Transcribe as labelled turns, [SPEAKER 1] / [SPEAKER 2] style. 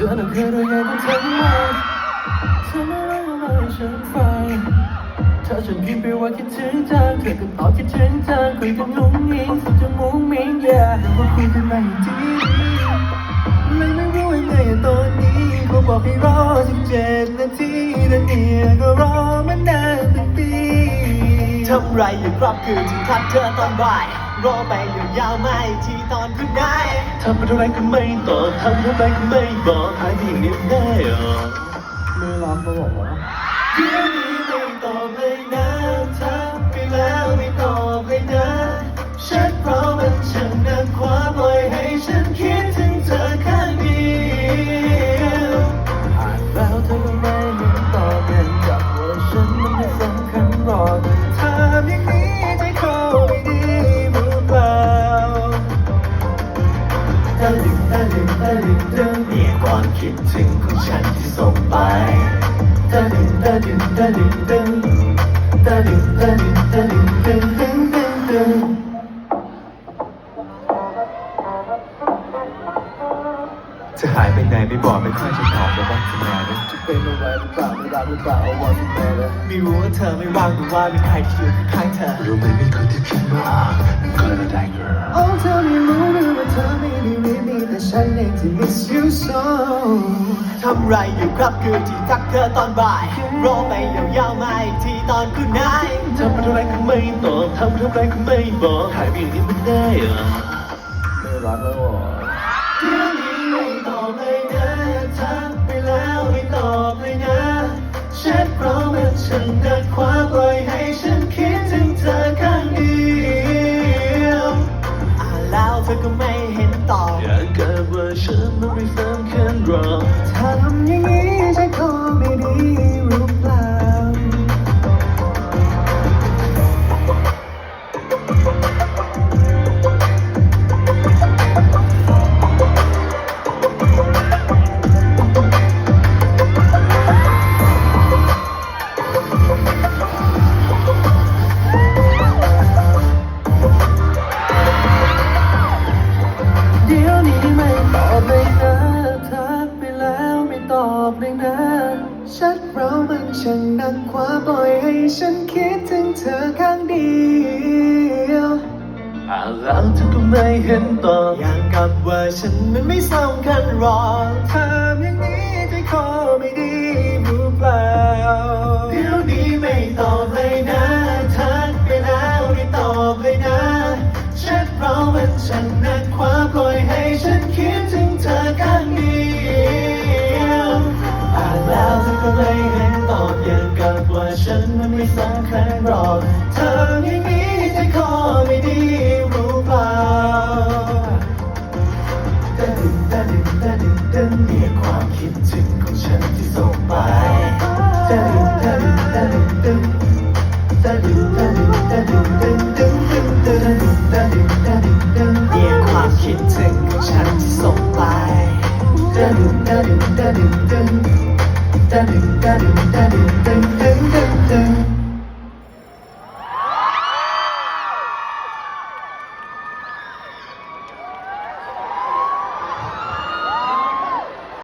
[SPEAKER 1] อน่ะเคยรายงานกันทั้งวันเธอไม่รู้ว่าให้ฉันฟังถ้าฉันพิมพ์ไปว่าคิดถึงจังเธอก็ตอบคิดถึงจังคุยกันงุ้งงิ้งสุดจะมุ้งมิ้งแต่ว่าคุยกันมาอย่างดีเลยไม่รู้ยังไงตอนนี้เขาบอกให้รอ17 นาทีแต่เนี่ยก็รอมานานเป็นปี
[SPEAKER 2] ทำไรอยู่ครับคือที่ทักเธอตอนบ่ายรอไปยาวๆไม่ที่ตอนคุณได้
[SPEAKER 1] ทำอะไรก็ไม่ตอบทำอะไรก็ไม่บอกหายไปอย่างนี้ได้หรอไม่รับมาบอกว่า
[SPEAKER 2] เดี๋ยวนี้ไม่ตอบเลยนะทักไปแล้วไม่ตอบเลยนะฉันเพราะมันช่างนักขวาปล่อยให้ฉันคิดถึงเธอข้างเดียว
[SPEAKER 1] อ่านแล้วเธอก็ไม่เห็นตอบเห็นกับว่าฉันมันไม่สำคัญหรอกทำอย่างนี้ใจคอไม่ดีหรือเปล่า
[SPEAKER 2] ตะลึงตะลึงตะลึงตึงเนี่ยความคิดถึงของฉันที่ส่งไปตะลึงตะลึงตะลึงตึงตะลึงตะลึงตะลึงตึงตึงตึงตึง
[SPEAKER 1] จะหายไปไหนไม่บอกไม่ค่อยจะตอบแล้วบ้างจะมาเนี่ยจะเป็นอะไรหรือเปล่าไม่รักหรือเปล่าเอาว่าจะแม่เลย
[SPEAKER 2] ไม่รู้ว่าเธอไม่ว่างหรือว่ามีใครที่อยู่ข้างเธอ
[SPEAKER 1] รู้ไหมไม่เคยที่คิดว่าก็เลยได้ girl
[SPEAKER 2] โอ้เธอไม่รู้หรือว่าเธอไม่ได้รีบมีแต่ฉันเองที่ miss you so ทำไรอยู่ครับคือที่ทักเธอตอนบ่ายรอไปยาวๆไม่ที่ตอนคุณนาย
[SPEAKER 1] ทำอะไรก็ไม่ตอบทำอะไรก็ไม่บอกหายไปอย่างนี้มันได้เหรอไม่รักแล้วหรอ
[SPEAKER 2] เดี๋ยวนี้ไม่ตอบเลยนะทักไปแล้วไม่ตอบเลยนะแชทเพราะมันช่างนักขวาปล่อยให้ฉันคิดถึงเธอข้างเดียวอ่านแล้วเธอก็ไม่เห็นตอบ
[SPEAKER 1] อยากกับว่าฉันมันไม่สำคัญหรอก
[SPEAKER 2] ทำอย่างนี้ใจคอไม่ดีหรือเปล่า
[SPEAKER 1] เดี๋ยวนี้ไม่ตอบเลยนะทักไปแล้วไม่ตอบเลยนะ
[SPEAKER 2] ชัดเรามันช่างนักขวาปล่อยให้ฉันคิดถึงเธอข้างเดียว
[SPEAKER 1] อ่านแล้วเธอก็ไม่เห็นตอบ
[SPEAKER 2] อย่างกับว่าฉันมันไม่สำคัญหรอก
[SPEAKER 1] ทำอย่างนี้ใจคอไม่ดีหรือเปล่า
[SPEAKER 2] เดี๋ยวนี้ไม่ตอบเลยนะทักไปแล้วไม่ตอบเลยนะแชทเรามันช่างนักขวาปล่อยให้ฉันคิดถึงเธอข้างเดียวอ่านแล้วเธอก็ไม่เห็นตอบอย่างกับว่าฉันมันไม่สำคัญหรอกทำอย่างนี้ใจคอไม่ดีรู้เปล่าตะดึงตะดึงตะดึงตะดึงเนี่ยความคิดถึงของฉันที่ส่งไปตะดึงตะดึงตะดึงตะดึงตะดึงตะดึงตะดึงตะดึงตะดึงตะดึงตะดึงตะดึงตะดึงเนี่ยความคิดถึงของฉันที่ส่งไปตะดึงตะดึงตะดึงตะดึงตะดึงตะดึงตะดึงตะดึงตะดึง